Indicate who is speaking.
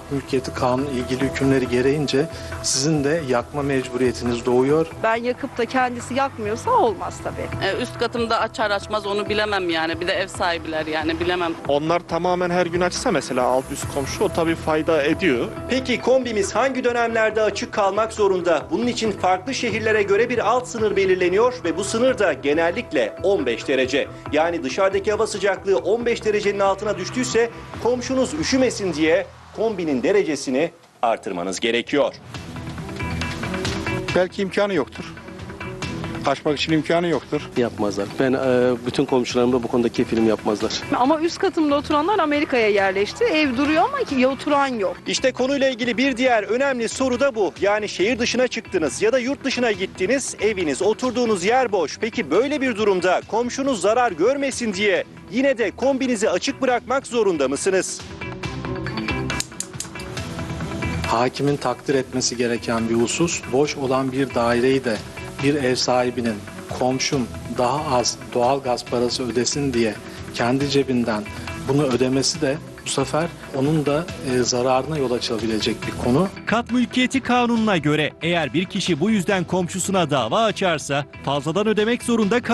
Speaker 1: kat mülkiyeti kanunu ilgili hükümleri gereğince sizin de yakma mecburiyetiniz doğuyor.
Speaker 2: Ben yakıp da kendisi yakmıyorsa olmaz tabii.
Speaker 3: Üst katımda açar açmaz onu bilemem yani. Bir de ev sahibiler yani bilemem.
Speaker 4: Onlar tamamen her gün açsa mesela alt üst komşu o tabii fayda ediyor.
Speaker 5: Peki kombimiz hangi dönemlerde açık kalmak zorunda? Bunun için farklı şehirlere göre bir alt sınır belirleniyor ve bu sınır da genellikle 15 derece. Yani dışarıdaki hava sıcaklığı 15 derecenin altına düştüyse komşunuz üşümesin diye kombinin derecesini artırmanız gerekiyor.
Speaker 6: Belki imkanı yoktur. Açmak için imkanı yoktur.
Speaker 7: Yapmazlar. Ben bütün komşularımda bu konuda kefilim yapmazlar.
Speaker 2: Ama üst katımda oturanlar Amerika'ya yerleşti. Ev duruyor ama ki oturan yok.
Speaker 5: İşte konuyla ilgili bir diğer önemli soru da bu. Yani şehir dışına çıktınız ya da yurt dışına gittiniz, eviniz, oturduğunuz yer boş. Peki böyle bir durumda komşunuz zarar görmesin diye yine de kombinizi açık bırakmak zorunda mısınız?
Speaker 1: Hakimin takdir etmesi gereken bir husus, boş olan bir daireyi de bir ev sahibinin komşum daha az doğal gaz parası ödesin diye kendi cebinden bunu ödemesi de bu sefer onun da zararına yol açabilecek bir konu.
Speaker 8: Kat mülkiyeti kanununa göre eğer bir kişi bu yüzden komşusuna dava açarsa fazladan ödemek zorunda kalır.